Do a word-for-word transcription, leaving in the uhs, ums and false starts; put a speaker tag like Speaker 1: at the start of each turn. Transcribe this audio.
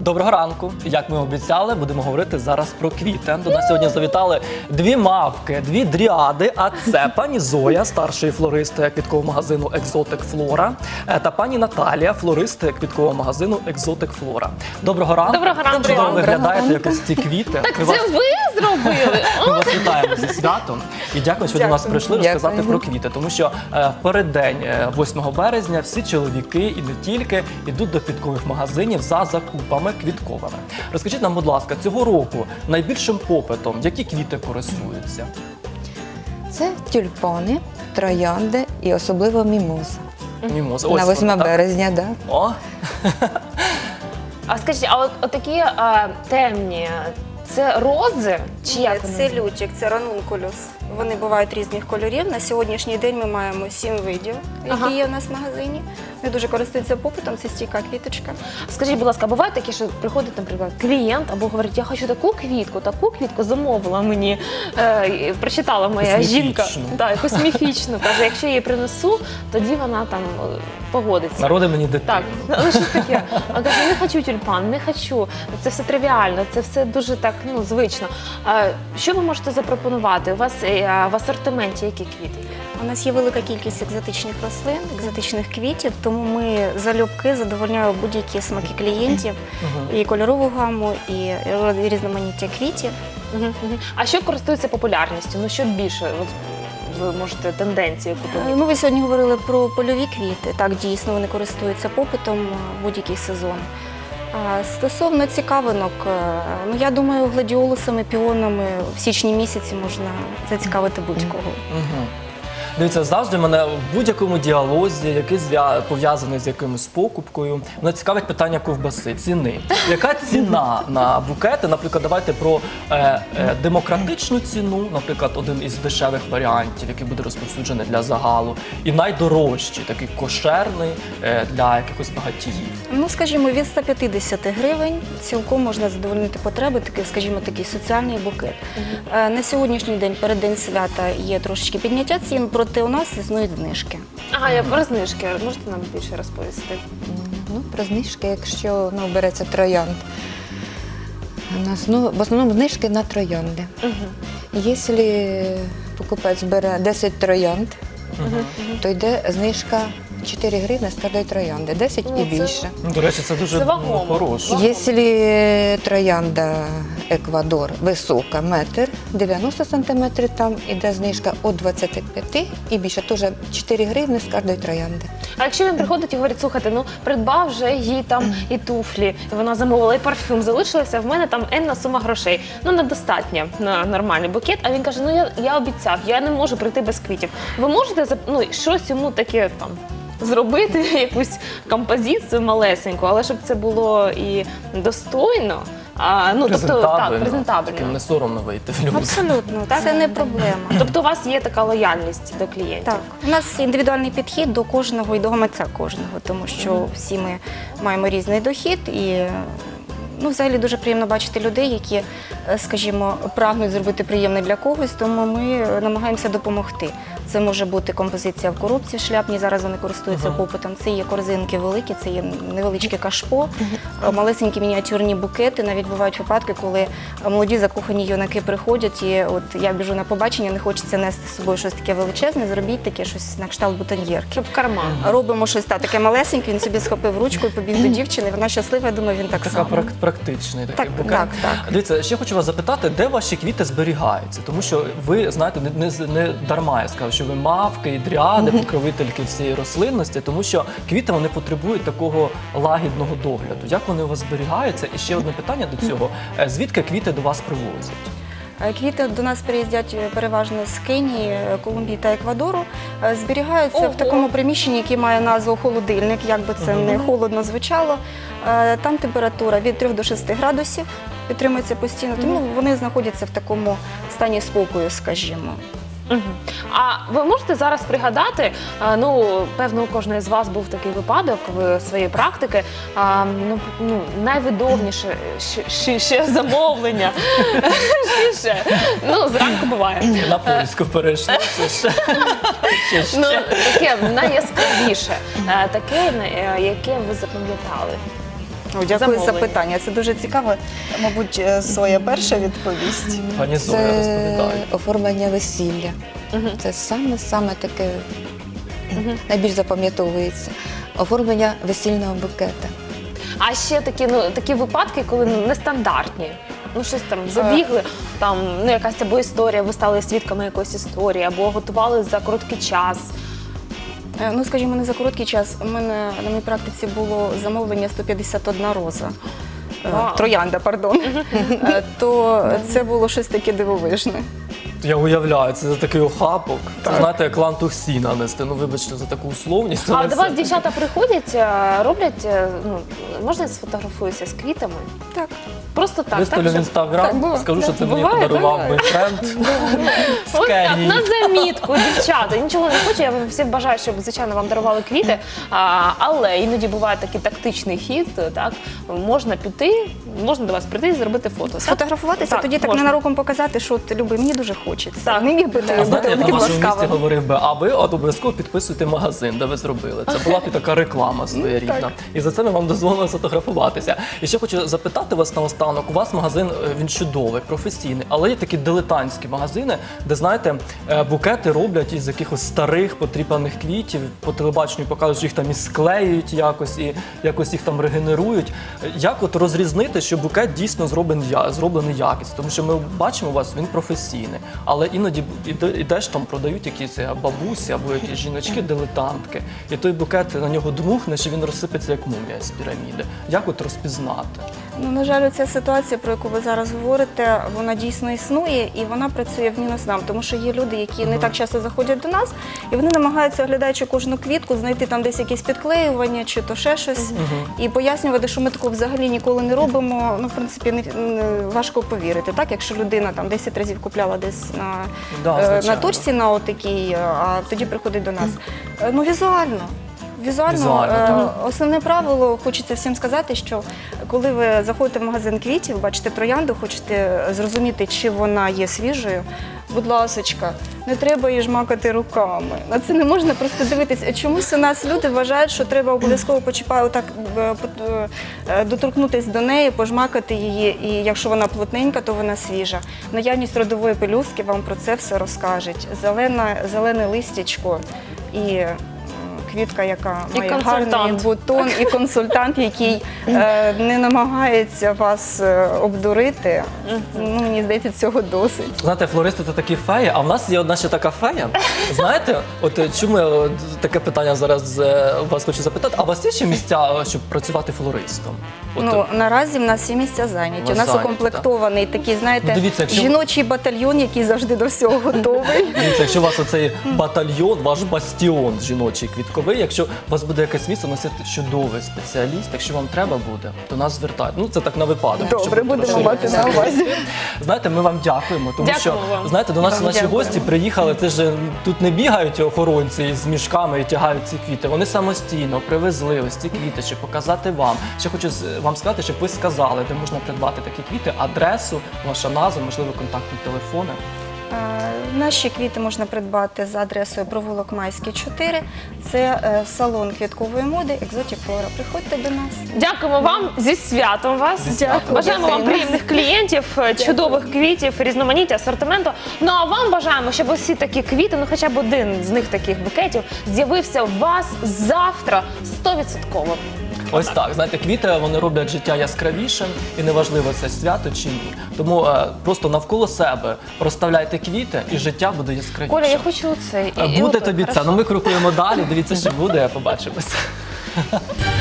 Speaker 1: Доброго ранку. Як ми обіцяли, будемо говорити зараз про квіти. До нас сьогодні завітали дві мавки, дві дріади, а це пані Зоя, старший флорист квіткового магазину «Екзотик Флора», та пані Наталія, флорист квіткового магазину «Екзотик Флора». Доброго ранку.
Speaker 2: Доброго ранку.
Speaker 1: Чудово виглядаєте якось ці квіти.
Speaker 2: Так
Speaker 1: Ми
Speaker 2: це
Speaker 1: вас-
Speaker 2: ви зробили?
Speaker 1: Ми вас вітаємо зі святом і дякую, що до нас прийшли розказати
Speaker 3: Дякую.
Speaker 1: про квіти. Тому що е, в переддень е, восьмого березня всі чоловіки і не тільки йдуть до квіткових магазинів за закупами квітковими. Розкажіть нам, будь ласка, цього року найбільшим попитом які квіти користуються?
Speaker 3: Це тюльпани, троянди і особливо мімоза.
Speaker 1: Мімоза.
Speaker 3: На
Speaker 1: Ось
Speaker 3: восьме
Speaker 1: вона, так?
Speaker 3: березня, так.
Speaker 1: О,
Speaker 2: А скажіть, а от, от такі а, темні, це рози? Чи як вони?
Speaker 4: Це лютик, це ранункулюс. Вони бувають різних кольорів. На сьогоднішній день ми маємо сім видів, які
Speaker 2: Ага.
Speaker 4: є у нас в магазині. Вони дуже користуються попитом, це стійка квіточка.
Speaker 2: Скажіть, будь ласка, буває таке, що приходить, наприклад, клієнт або говорить, я хочу таку квітку, таку квітку замовила мені, е, і прочитала моя
Speaker 1: Якусь
Speaker 2: жінка.
Speaker 1: міфічну.
Speaker 2: Да, якусь міфічну. Каже, якщо я її принесу, тоді вона там е, погодиться.
Speaker 1: народи мені дитину.
Speaker 2: Так, але щось таке. А каже, не хочу тюльпан, не хочу. Це все тривіально, це все дуже так, ну, звично. А, що ви можете запропонувати? У вас е, в асортименті які квіти?
Speaker 4: У нас є велика кількість екзотичних рослин, екзотичних квітів, тому ми залюбки задовольняємо будь-які смаки клієнтів,
Speaker 1: Мгм.
Speaker 4: і кольорову гаму, і різноманіття квітів.
Speaker 2: Мгм, мгм. А що користується популярністю? Ну, що більше? От ви можете тенденцію
Speaker 4: Е,
Speaker 2: купити?
Speaker 4: Ну, ви сьогодні говорили про польові квіти. Так, дійсно, вони користуються попитом в будь-який сезон. А стосовно цікавинок, е, ну я думаю, гладіолусами, піонами в січні місяці можна зацікавити будь-кого.
Speaker 1: Мгм. Дивіться, завжди мене в будь-якому діалозі, який зв'я- пов'язаний з якимось покупкою, мене цікавить питання ковбаси, ціни. Яка ціна на букети? Наприклад, давайте про е, е, демократичну ціну, наприклад, один із дешевих варіантів, який буде розповсюджений для загалу, і найдорожчий, такий кошерний е, для якихось багатіїв.
Speaker 4: Ну, скажімо, від ста п'ятдесят гривень цілком можна задовольнити потреби, такий, скажімо, такий соціальний букет. Е, На сьогоднішній день, перед день свята, є трошечки підняття цін, проте у нас існують знижки.
Speaker 2: Ага, я про знижки. Можете нам більше розповісти?
Speaker 3: Ну, про знижки, якщо ну, береться троянд. У нас ну, в основному знижки на троянди.
Speaker 2: Угу.
Speaker 3: Якщо покупець бере десять троянд, то йде знижка чотири гривні з кожної троянди, десять
Speaker 2: Ну,
Speaker 3: і
Speaker 2: це-
Speaker 3: більше.
Speaker 1: Ну, до речі, це дуже
Speaker 2: Це вагомо.
Speaker 1: ну, хороше.
Speaker 3: Якщо троянда Еквадор висока, метр, дев'яносто сантиметрів, там іде знижка від двадцяти п'яти і більше, теж чотири гривні з кожної троянди.
Speaker 2: А якщо він приходить і говорить, слухайте, ну придбав вже їй там і туфлі, і вона замовила, і парфюм залишилася, в мене там енна сума грошей. Ну, недостатньо на нормальний букет. А він каже, ну я, я обіцяв, я не можу прийти без квітів. Ви можете зап- ну, щось йому таке там зробити, якусь композицію малесеньку, але щоб це було і достойно, а, ну, тобто, так,
Speaker 1: Таким
Speaker 2: презентабельно.
Speaker 1: не соромно вийти в люди.
Speaker 4: Абсолютно, це не проблема.
Speaker 2: Тобто у вас є така лояльність до клієнтів?
Speaker 4: Так, у нас індивідуальний підхід до кожного і до гаманця кожного, тому що всі ми маємо різний дохід і ну, взагалі дуже приємно бачити людей, які, е, скажімо, прагнуть зробити приємне для когось, тому ми намагаємося допомогти. Це може бути композиція в коробці шляпні, зараз вони користуються
Speaker 1: Ага.
Speaker 4: попитом. Це є корзинки великі, це є невеличке кашпо, е, малесенькі мініатюрні букети. Навіть бувають випадки, коли молоді закохані юнаки приходять, і от я біжу на побачення, не хочеться нести з собою щось таке величезне, зробіть таке щось на кшталт бутоньєрки.
Speaker 2: Щоб в карман.
Speaker 4: Робимо щось та, таке малесеньке, він собі схопив ручку і побіг до дівчини, вона щаслива, я думаю, він так
Speaker 1: Така
Speaker 4: само.
Speaker 1: прак- практичний такий
Speaker 4: Так,
Speaker 1: букет.
Speaker 4: так, так.
Speaker 1: Дивіться, ще хочу вас запитати, де ваші квіти зберігаються? Тому що ви, знаєте, не, не, не дарма я сказав, що ви мавки і дріади, покровительки всієї рослинності, тому що квіти вони потребують такого лагідного догляду. Як вони у вас зберігаються? І ще одне питання до цього. Е, Звідки квіти до вас привозять?
Speaker 4: Е, Квіти до нас приїздять е, переважно з Кенії, е, Колумбії та Еквадору. Е, Зберігаються
Speaker 2: Ого.
Speaker 4: в такому приміщенні, яке має назву холодильник, як би це не холодно звучало. Е, Там температура від трьох до шести градусів підтримується постійно, тому вони знаходяться в такому стані спокою, скажімо.
Speaker 2: Мгм. А ви можете зараз пригадати, а, ну, певно, у кожної з вас був такий випадок в своїй практики, а, ну, ну, найвидовніше ще, ще, ще замовлення, ще, ще. Ну, зранку буває.
Speaker 1: На польську перейшли. Це ще. Ще, ще.
Speaker 2: Ну, таке найяскравіше, е, таке, е, яке ви запам'ятали.
Speaker 4: О, дякую за
Speaker 2: замовлення?
Speaker 4: питання. Це дуже цікаво. Мабуть, е, Соя перша відповість.
Speaker 1: Пані Зоя,
Speaker 3: Це
Speaker 1: розповідає.
Speaker 3: оформлення весілля. Це саме-саме таке найбільш запам'ятовується. Оформлення весільного букета.
Speaker 2: А ще такі, ну, такі випадки, коли ну, нестандартні. Ну, щось там забігли, там ну, якась або історія, ви стали свідками якоїсь історії, або готували за короткий час.
Speaker 4: Е, Ну, скажімо, не за короткий час. У мене на моїй практиці було замовлення сто п'ятдесят одна роза. Е,
Speaker 2: Вау.
Speaker 4: Троянда, пардон. Е, То це було щось таке дивовижне.
Speaker 1: Я уявляю, це за такий охапок. Це, знаєте, як лантух сіна нести. Ну, вибачте за таку условність.
Speaker 2: А
Speaker 1: але
Speaker 2: до
Speaker 1: це-
Speaker 2: вас дівчата приходять, е, роблять, е, ну, можна я сфотографуюся з квітами?
Speaker 4: Так.
Speaker 2: Просто так,
Speaker 1: Виставлю
Speaker 2: так?
Speaker 1: в
Speaker 2: щоб-
Speaker 1: інстаграм,
Speaker 4: Так, було.
Speaker 1: скажу, що це мені
Speaker 2: Буває,
Speaker 1: подарував
Speaker 2: буває.
Speaker 1: мій френд з
Speaker 2: Ось так,
Speaker 1: Кенії.
Speaker 2: на замітку, дівчата. Нічого не хочу, я всім бажаю, щоб, звичайно, вам дарували квіти. А, але іноді буває такий тактичний хід, так? Можна піти, можна до вас прийти і зробити фото. так?
Speaker 4: Сфотографуватися,
Speaker 2: Так,
Speaker 4: тоді так
Speaker 2: можна.
Speaker 4: ненароком показати, що от, Люби, мені дуже хочеться.
Speaker 2: Так.
Speaker 4: Не міг би ти
Speaker 1: А знаєте,
Speaker 4: бути
Speaker 1: я на
Speaker 4: таким
Speaker 1: вашому місці
Speaker 4: ласкавим.
Speaker 1: говорив би, а ви от обов'язково підписуйте магазин, де ви зробили. Це була б і така реклама своєрідна.
Speaker 4: Так.
Speaker 1: І за це ми вам дозволили сфотографуватися. І ще хочу запитати вас наостанок. У вас магазин, е, він чудовий, професійний, але є такі дилетантські магазини, де, знаєте, е, букети роблять із якихось старих потріпаних квітів, по телебаченню показують, що їх там і склеюють якось, і якось їх там регенерують. Як от розрізнити, що букет дійсно зроблений, я- зроблений якісно? Тому що ми бачимо у вас, він професійний, але іноді іде- ідеш там, продають якісь е, бабусі або якісь жіночки-дилетантки, і той букет на нього дмухнеш, і він розсипеться як мумія з піраміди. Як от розпізнати?
Speaker 4: Ну, на жаль, ця ситуація, про яку ви зараз говорите, вона дійсно існує і вона працює в мінус нам, тому що є люди, які не так часто заходять до нас, і вони намагаються, оглядаючи кожну квітку, знайти там десь якісь підклеювання чи то ще щось, і пояснювати, що ми такого взагалі ніколи не робимо. Ну, в принципі, не, не- важко повірити, так? Якщо людина там десять разів купляла десь на,
Speaker 1: Да,
Speaker 4: е, на
Speaker 1: звичайно.
Speaker 4: точці на отакій, а тоді приходить до нас. Е, Ну, візуально. Візуально,
Speaker 1: Візуально,
Speaker 4: е,
Speaker 1: так.
Speaker 4: основне правило, хочеться всім сказати, що коли ви заходите в магазин квітів, бачите троянду, хочете зрозуміти, чи вона є свіжою, будь ласочка, не треба її жмакати руками. На це не можна просто дивитися. Чомусь у нас люди вважають, що треба обов'язково почіпати, отак е, пот- е, доторкнутися до неї, пожмакати її, і якщо вона плотненька, то вона свіжа. Наявність родової пелюстки вам про це все розкажуть. Зелена, зелене листячко і м, квітка, яка
Speaker 2: І
Speaker 4: має
Speaker 2: консультант.
Speaker 4: гарний бутон, і консультант, який е, не намагається вас е, обдурити. Ну, мені здається, цього досить.
Speaker 1: Знаєте, флористи це такі феї, а в нас є одна ще така фея. Знаєте, от е, чому я е, таке питання зараз е, вас хочу запитати, а у вас є ще місця, е, щоб працювати флористом? От,
Speaker 4: Ну, наразі в нас всі місця зайняті.
Speaker 1: У
Speaker 4: У
Speaker 1: вас
Speaker 4: нас
Speaker 1: зайняті,
Speaker 4: укомплектований такий, знаєте,
Speaker 1: Ну, дивіться, якщо-
Speaker 4: жіночий батальйон, який завжди до всього готовий.
Speaker 1: Дивіться, якщо у вас оцей батальйон, ваш бастіон жіночий квітковий, якщо у вас буде якесь місце, у нас є чудовий спеціаліст, якщо вам треба буде, то нас звертайте. Ну, це так на випадок.
Speaker 4: Добре,
Speaker 1: щоб
Speaker 4: будемо
Speaker 1: розширити
Speaker 4: мати на
Speaker 1: свій
Speaker 4: увазі.
Speaker 1: досвід. Знаєте, ми вам дякуємо, тому що,
Speaker 2: Дякуємо вам.
Speaker 1: знаєте, до нас
Speaker 4: Вам
Speaker 1: наші
Speaker 4: дякуємо.
Speaker 1: гості приїхали, це ж тут не бігають охоронці з мішками і тягають ці квіти. Вони самостійно привезли ось ці квіти, щоб показати вам. Ще хочу з- вам сказати, щоб ви сказали, де можна придбати такі квіти, адресу, ваша назва, можливо, контактні телефони.
Speaker 4: Е, Наші квіти можна придбати за адресою провулок Майський, чотири. Це е, салон квіткової моди Екзотік Флора. Приходьте до нас.
Speaker 2: Дякуємо вам зі святом вас.
Speaker 1: Зі святом.
Speaker 2: Бажаємо вам
Speaker 4: Дякую.
Speaker 2: приємних клієнтів, чудових квітів, різноманіття асортименту. Ну а вам бажаємо, щоб усі такі квіти, ну хоча б один з них таких букетів, з'явився у вас завтра стовідсотково.
Speaker 1: Ось так, знаєте, квіти вони роблять життя яскравішим, і неважливо це свято чи ні. Тому е, просто навколо себе розставляйте квіти, і життя буде яскравішим.
Speaker 2: Коля, я хочу цей.
Speaker 1: Е, Буде тобі це. Ну ми крокуємо далі. Дивіться, що буде. Побачимося.